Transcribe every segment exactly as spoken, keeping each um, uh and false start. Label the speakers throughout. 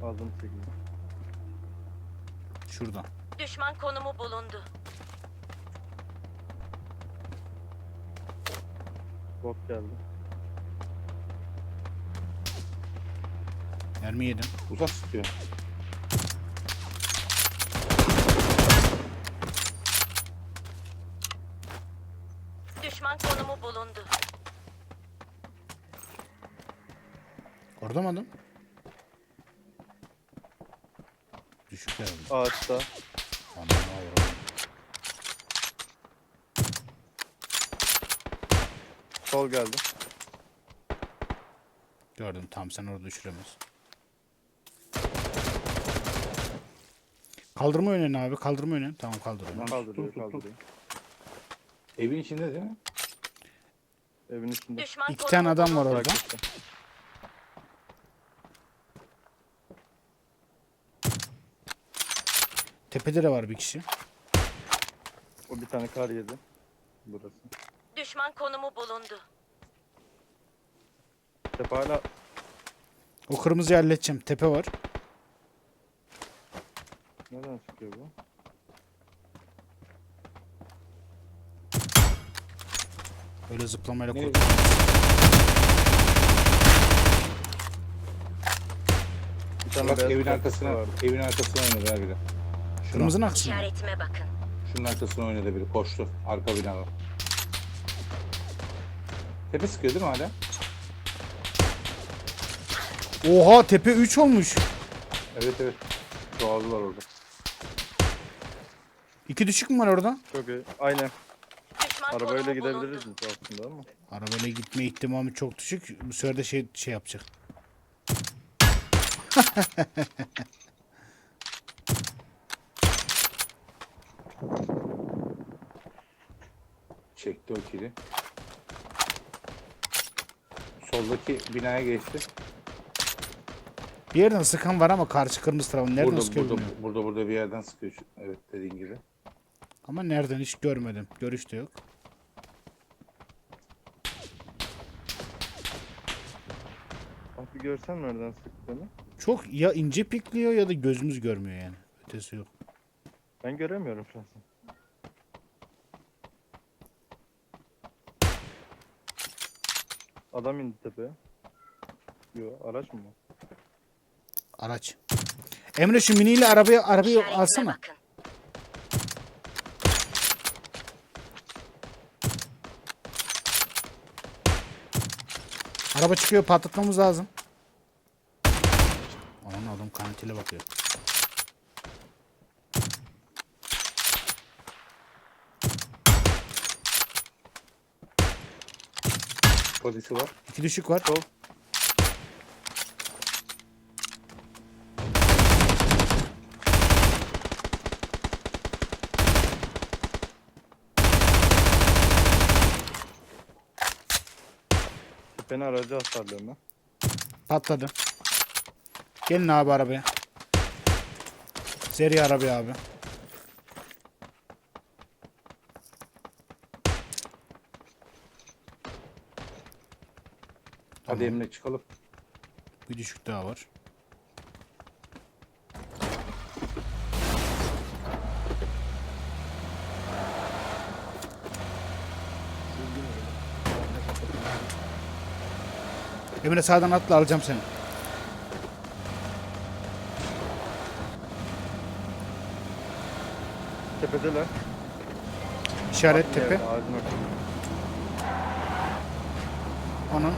Speaker 1: Aldım sekiz.
Speaker 2: Şuradan.
Speaker 3: Düşman konumu bulundu.
Speaker 1: Bot geldi.
Speaker 2: Mermi yedim.
Speaker 4: Uzak sıkıyor.
Speaker 3: Düşman konumu bulundu.
Speaker 2: Orada mı adam? Düşük herhalde.
Speaker 1: Ağaçta.
Speaker 2: Aman Allah'ım.
Speaker 1: Sol geldi.
Speaker 2: Gördüm, tam sen orada düşüremez. Kaldırma yönünü abi, kaldırma yönünü. Tamam, kaldırıyorum.
Speaker 4: Lan
Speaker 1: Kaldırıyor
Speaker 4: tut, tut, tut.
Speaker 1: kaldırıyor.
Speaker 4: Evin içinde değil mi?
Speaker 1: Evin içinde.
Speaker 3: Düşman
Speaker 2: İki
Speaker 3: konumu
Speaker 2: tane adam var
Speaker 3: bulundu.
Speaker 2: orada.
Speaker 1: Bırak işte.
Speaker 2: Tepede de var bir kişi.
Speaker 1: O bir tane kar yedi. Burası.
Speaker 3: Düşman konumu bulundu.
Speaker 1: Tepe hala
Speaker 2: O kırmızıyı halledeceğim. Tepe var.
Speaker 1: nereden çıkıyor bu?
Speaker 2: Öyle zıplamayla
Speaker 4: Ne?
Speaker 2: kurtul.
Speaker 1: Bir tane
Speaker 4: Bak
Speaker 1: beyaz
Speaker 4: evin
Speaker 1: kar
Speaker 4: arkasına,
Speaker 1: vardı.
Speaker 4: evin arkasına oynadı her biri. Şuna,
Speaker 2: Kırmızının aksine.
Speaker 3: İşaretime bakın.
Speaker 4: şunun arkasına oynadı biri. Koştu. Arka binada. Tepe sıkıyor değil mi hala?
Speaker 2: Oha, tepe üç olmuş.
Speaker 4: Evet evet. Çoğaldılar orada.
Speaker 2: İki düşük mü var orada?
Speaker 1: Çok iyi. Aynen.
Speaker 3: Düşman
Speaker 1: Arabayla
Speaker 3: konumu
Speaker 1: gidebiliriz
Speaker 3: bulundu.
Speaker 1: biz aslında ama.
Speaker 2: Arabayla gitme ihtimali çok düşük. Bu sefer de şey şey yapacak.
Speaker 4: Çekti o kili. Soldaki binaya geçti.
Speaker 2: Bir yerden sıkan var ama karşı kırmızı tarafı nereden
Speaker 4: Burada
Speaker 2: sıkıyor
Speaker 4: burada,
Speaker 2: bilmiyorum.
Speaker 4: burada burada bir yerden sıkıyor. şu- Evet dediğin gibi.
Speaker 2: Ama nereden hiç görmedim. Görüş de yok.
Speaker 1: Bak bir görsen nereden sıktığını.
Speaker 2: Çok ya ince pikliyor ya da gözümüz görmüyor yani. Ötesi yok.
Speaker 1: Ben göremiyorum şahsen. Adam indi tepeye. Yo araç mı bu?
Speaker 2: Araç. Emre şu miniyle arabayı arabayı
Speaker 3: İşaretime
Speaker 2: alsana.
Speaker 3: bakın.
Speaker 2: Araba çıkıyor, patlatmamız lazım. Aman adam kantile bakıyor.
Speaker 4: Polisi var.
Speaker 2: İki düşük var.
Speaker 1: Sol. Tepenin aracı hasarlıyorum ben.
Speaker 2: Patladı. Gelin abi arabaya. Seri arabaya abi.
Speaker 4: Hadi Emre çıkalım.
Speaker 2: Bir düşük daha var. Emre sağdan atla, alacağım seni.
Speaker 1: Tepedeler.
Speaker 2: İşaret tepe.
Speaker 1: Ağacın ortasında.
Speaker 2: Onun.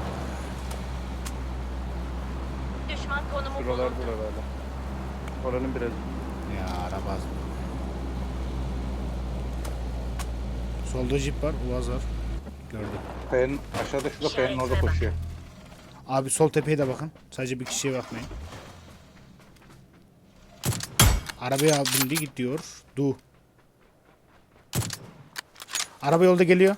Speaker 3: Düşman konumu bulundu.
Speaker 1: Şuralardalar hala. Oranın biraz.
Speaker 2: Ya araba. Solda jip var, Uaz var. Gördüm.
Speaker 4: Kayanın aşağıda şurada kayanın orada koşuyor.
Speaker 2: Abi sol tepeye de bakın. Sadece bir kişiye bakmayın. Arabaya bindi gidiyor. Du. Araba yolda geliyor.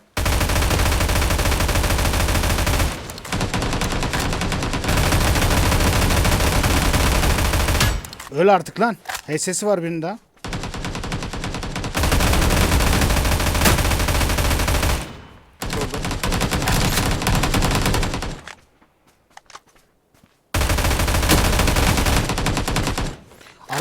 Speaker 2: Öl artık lan. H S'si var birinin daha.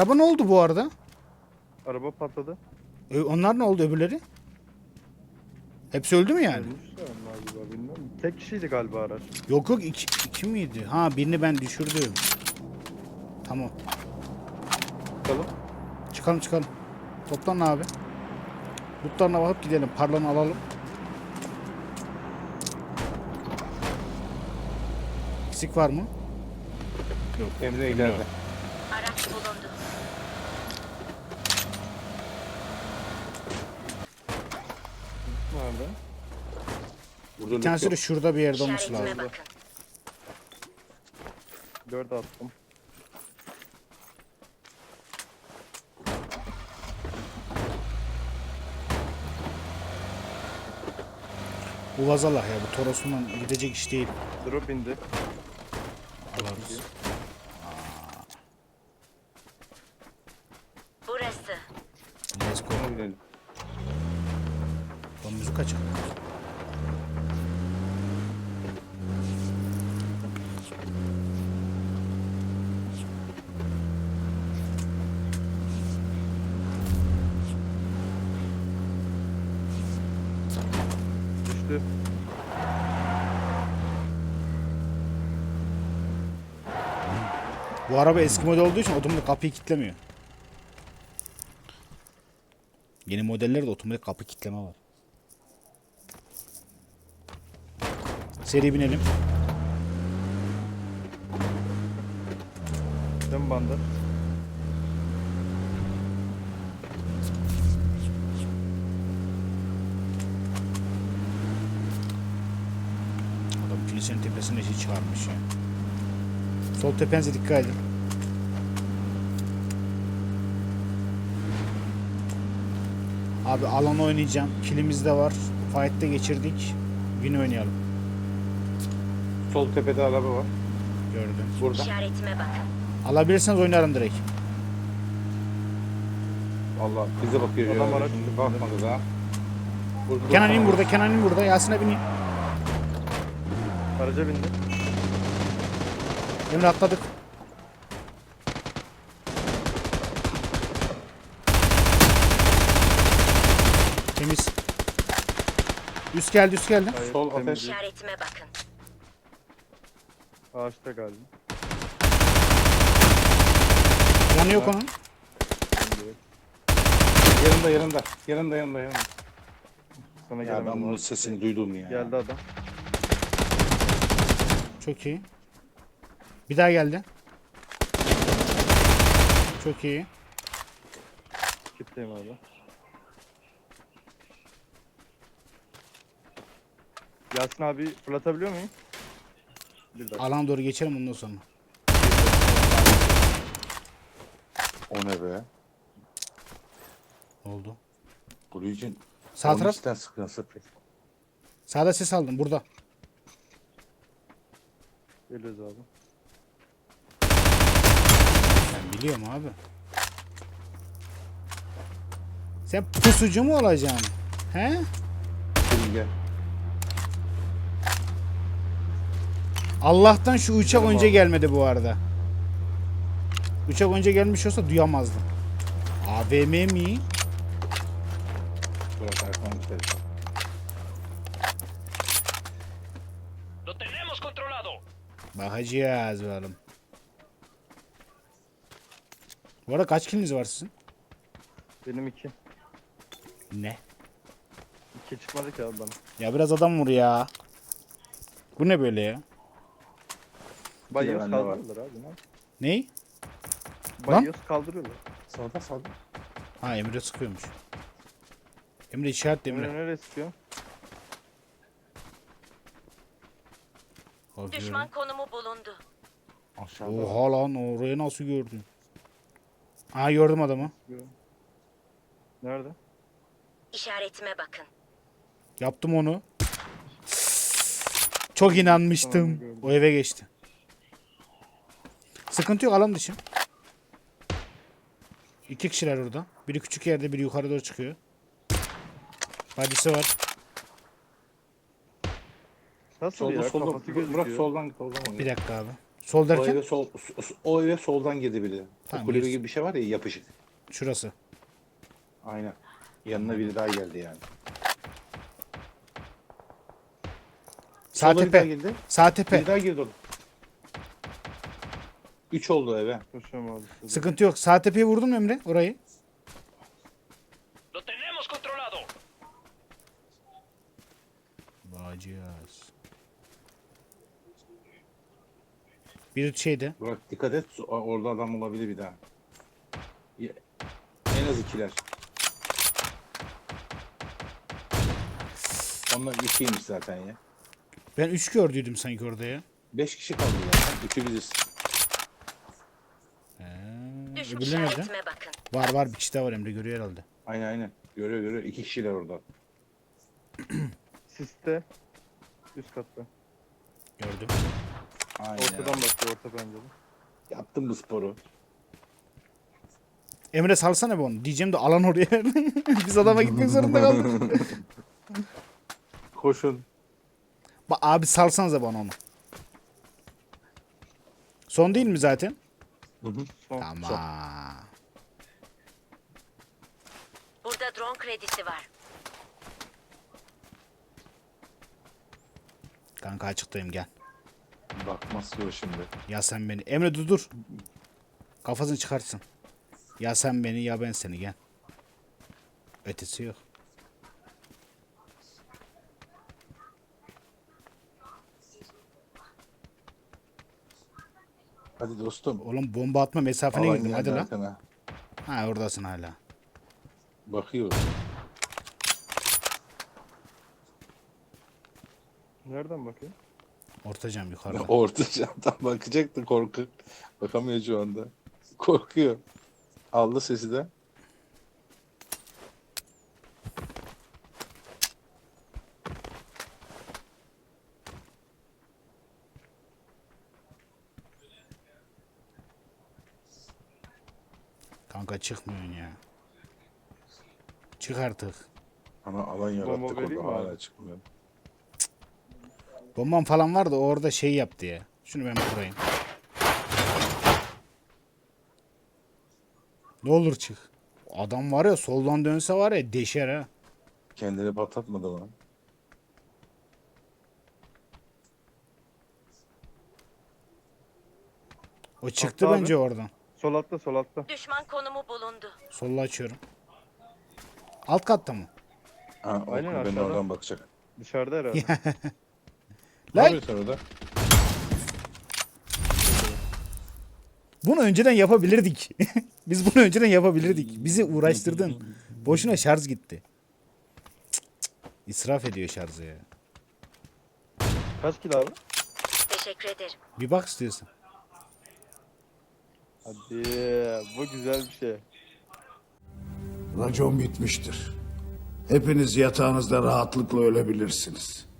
Speaker 2: Araba ne oldu bu arada?
Speaker 1: Araba patladı.
Speaker 2: Ö- onlar ne oldu öbürleri? Hepsi öldü mü yani?
Speaker 1: Ölmüşler onlar galiba, bilmiyorum. Tek kişiydi galiba araç.
Speaker 2: Yok yok iki, iki miydi? Ha birini ben düşürdüm. Tamam.
Speaker 4: Çıkalım.
Speaker 2: Çıkalım çıkalım. Toplan abi. Lootlarına bakıp gidelim. Parlanı alalım. Eksik var mı?
Speaker 4: Emre ileride.
Speaker 3: Araç bulundu.
Speaker 1: Nerede?
Speaker 4: Burada
Speaker 2: Bir tanesi de şurada bir yerde olması
Speaker 3: İşaretime
Speaker 2: lazım.
Speaker 3: bakın.
Speaker 1: Dört attım.
Speaker 2: Bu vazalah ya. Bu Toros'undan gidecek iş değil.
Speaker 1: Drop indi.
Speaker 2: Alırız.
Speaker 3: Burası.
Speaker 2: Let's go.
Speaker 4: Ona binelim.
Speaker 2: Lan müzik açık.
Speaker 1: Düştü.
Speaker 2: Bu araba eski model olduğu için otomatik kapıyı kilitlemiyor. Yeni modellerde otomatik kapı kilitleme var. Seri binelim.
Speaker 1: Dön bandı.
Speaker 2: Adam kilisenin tepesine şey çıkarmış ya. Sol tepenize dikkat edin. Abi alan oynayacağım. Kilimiz de var. Fight'te geçirdik. Win oynayalım.
Speaker 4: Sol tepede araba var.
Speaker 2: Gördüm.
Speaker 4: Burada.
Speaker 3: İşaretime bakın.
Speaker 2: Alabilirseniz oynarım direkt.
Speaker 4: Allah bize bakıyor.
Speaker 1: Adam
Speaker 4: ya.
Speaker 1: araç
Speaker 4: Şimdi
Speaker 1: üstünde.
Speaker 4: bakmadı daha. Burada.
Speaker 2: Kenan in burada. Kenan in burada. Yasin abi in.
Speaker 1: Araca bindi.
Speaker 2: Emre atladık. Temiz. Üst geldi üst geldi.
Speaker 1: Hayır,
Speaker 4: Sol
Speaker 1: temiz
Speaker 4: ateş.
Speaker 1: değil.
Speaker 3: İşaretime bakın.
Speaker 1: Ağaçta galiba.
Speaker 2: Yanı yok onun.
Speaker 1: Şimdi
Speaker 4: Yanında yanında. Yanında yanında yanında.
Speaker 1: sana
Speaker 4: Ya ben
Speaker 1: gelemedim.
Speaker 4: bunun
Speaker 1: abi.
Speaker 4: sesini duydum ya.
Speaker 1: Geldi adam.
Speaker 2: Çok iyi. Bir daha geldi. Çok iyi.
Speaker 1: Kitleyim abi. Yasin abi fırlatabiliyor muyum? Bir dakika.
Speaker 2: Alana doğru geçelim ondan sonra.
Speaker 4: O ne be?
Speaker 2: Ne oldu?
Speaker 4: Blue için.
Speaker 2: Sağ taraf.
Speaker 4: Onisten sıkın sıkın.
Speaker 2: Sağda ses aldım. Burada.
Speaker 1: Geliyoruz abi.
Speaker 2: Ben biliyorum abi. Sen pusucu mu olacaksın? He?
Speaker 4: Gelin gel.
Speaker 2: Allah'tan şu uçak
Speaker 4: Canım
Speaker 2: önce
Speaker 4: abi.
Speaker 2: gelmedi bu arada. Uçak önce gelmiş olsa duyamazdım. A V M mi?
Speaker 4: Burası arkadan gidelim.
Speaker 5: ¡Lo tenemos controlado!
Speaker 2: Bakacağız bakalım. Bu arada kaç kiliniz var sizin?
Speaker 1: Benim iki.
Speaker 2: Ne?
Speaker 1: İki çıkmadı ki abi bana.
Speaker 2: Ya biraz adam vur ya. Bu ne böyle ya?
Speaker 1: Bayıyoruz
Speaker 4: bende var.
Speaker 1: kaldırıyorlar abi. Ne?
Speaker 2: Ney?
Speaker 1: Bayıyoruz kaldırıyorlar.
Speaker 4: Sağda sağda.
Speaker 2: Ha Emre sıkıyormuş. Emre işaret
Speaker 1: Emre
Speaker 2: Emre.
Speaker 1: nereye sıkıyor?
Speaker 2: Bakıyorum.
Speaker 3: Düşman konumu bulundu.
Speaker 4: Aşağıda.
Speaker 2: Oha lan orayı nasıl gördün? Ha gördüm adamı.
Speaker 1: Nerede?
Speaker 3: İşaretime bakın.
Speaker 2: Yaptım onu. Çok inanmıştım.
Speaker 1: gördüm.
Speaker 2: O eve geçti. Sıkıntı yok alan dışı. İki kişiler orada. Biri küçük yerde biri yukarı doğru çıkıyor. Badisi var.
Speaker 1: Nasıl
Speaker 4: Solda
Speaker 1: ya?
Speaker 4: solda.
Speaker 1: Kafası gözüküyor.
Speaker 4: Murat soldan soldan.
Speaker 2: Bir dakika abi. Sol
Speaker 4: O
Speaker 2: derken
Speaker 4: eve, sol, o eve soldan girdi biri.
Speaker 2: Tamam,
Speaker 4: o kulübe
Speaker 2: biz-
Speaker 4: gibi bir şey var ya yapışık.
Speaker 2: şurası.
Speaker 4: Aynen. Yanına biri daha geldi yani.
Speaker 2: Sağ
Speaker 4: Sola bir daha
Speaker 2: tepe.
Speaker 4: girdi.
Speaker 2: Sağ tepe.
Speaker 4: Biri daha girdi oğlum. Üç oldu eve.
Speaker 1: Koşuyorum abi. size.
Speaker 2: Sıkıntı yok. Sağ tepeye vurdun mu Emre orayı?
Speaker 5: Lo tenemos controlado.
Speaker 2: Bağcıyız. Bir şeyde.
Speaker 4: Burak dikkat et. o- Orada adam olabilir bir daha. Ya- En az ikiler. Onlar ikiymiş zaten ya.
Speaker 2: Ben üç gördüydüm sanki orada ya.
Speaker 4: Beş kişi kaldı zaten. Üçü biziz.
Speaker 2: He,
Speaker 3: Düş
Speaker 2: öbürleri nerede?
Speaker 3: işaretime bakın.
Speaker 2: Var var bir kişi daha var Emre görüyor herhalde.
Speaker 4: Aynen aynen. Görüyor görüyor. İki kişiler orada.
Speaker 1: Siste. Üst katta.
Speaker 2: Gördüm.
Speaker 4: Aynen.
Speaker 1: Ortadan bakıyor, orta pencere.
Speaker 4: Yaptım bu sporu.
Speaker 2: Emre salsana be onu. Diyeceğim de alan oraya. Biz adama gitmek zorunda kaldık.
Speaker 4: Koşun.
Speaker 2: Bak abi salsanıza bana onu. Son değil mi zaten?
Speaker 1: Son.
Speaker 2: Tamam.
Speaker 3: Burada drone kredisi var.
Speaker 2: Kanka açıktayım gel.
Speaker 4: Bakmaz yok şimdi.
Speaker 2: Ya sen beni. Emre dur dur. Kafasını çıkartsın. Ya sen beni ya ben seni gel. Ötesi yok.
Speaker 4: Hadi dostum.
Speaker 2: Oğlum bomba atma mesafene
Speaker 4: Alan
Speaker 2: girdim
Speaker 4: geldi
Speaker 2: hadi lan.
Speaker 4: arkana.
Speaker 2: Ha oradasın hala.
Speaker 4: Bakıyor.
Speaker 1: Nereden bakıyor?
Speaker 2: Ortacam yukarıda.
Speaker 4: Orta çantam bakacaktı korku. Bakamıyor şu anda. Korkuyor. Aldı sesi de.
Speaker 2: Kanka çıkmıyorsun ya. Çık artık.
Speaker 4: Ama alan yarattık
Speaker 1: Bomba vereyim
Speaker 4: orada
Speaker 1: mi
Speaker 4: hala
Speaker 1: abi?
Speaker 4: çıkmıyor.
Speaker 2: Bombam falan vardı orada şey yaptı ya. Şunu ben kurayım. Ne olur çık. Adam var ya soldan dönse var ya deşer ha.
Speaker 4: Kendini patlatmadı mı?
Speaker 2: O çıktı
Speaker 1: Hatta
Speaker 2: bence
Speaker 1: abi.
Speaker 2: oradan.
Speaker 1: Sol altta, sol altta.
Speaker 3: Düşman konumu bulundu.
Speaker 2: Solla açıyorum. Alt katta mı?
Speaker 4: Ha, o
Speaker 1: Aynen,
Speaker 4: kulübenin
Speaker 1: aşağıda.
Speaker 4: oradan bakacak.
Speaker 1: Dışarıda herhalde.
Speaker 4: Ne
Speaker 2: Lan
Speaker 4: yapıyorsun orada?
Speaker 2: bunu önceden yapabilirdik. Biz bunu önceden yapabilirdik. Bizi uğraştırdın. Boşuna şarj gitti. Cık cık. İsraf ediyor şarjı ya.
Speaker 1: Kaç kilo abi?
Speaker 3: Teşekkür ederim.
Speaker 2: Bir bak istiyorsan.
Speaker 1: Hadi, bu güzel bir şey.
Speaker 6: Racon bitmiştir. Hepiniz yatağınızda rahatlıkla ölebilirsiniz.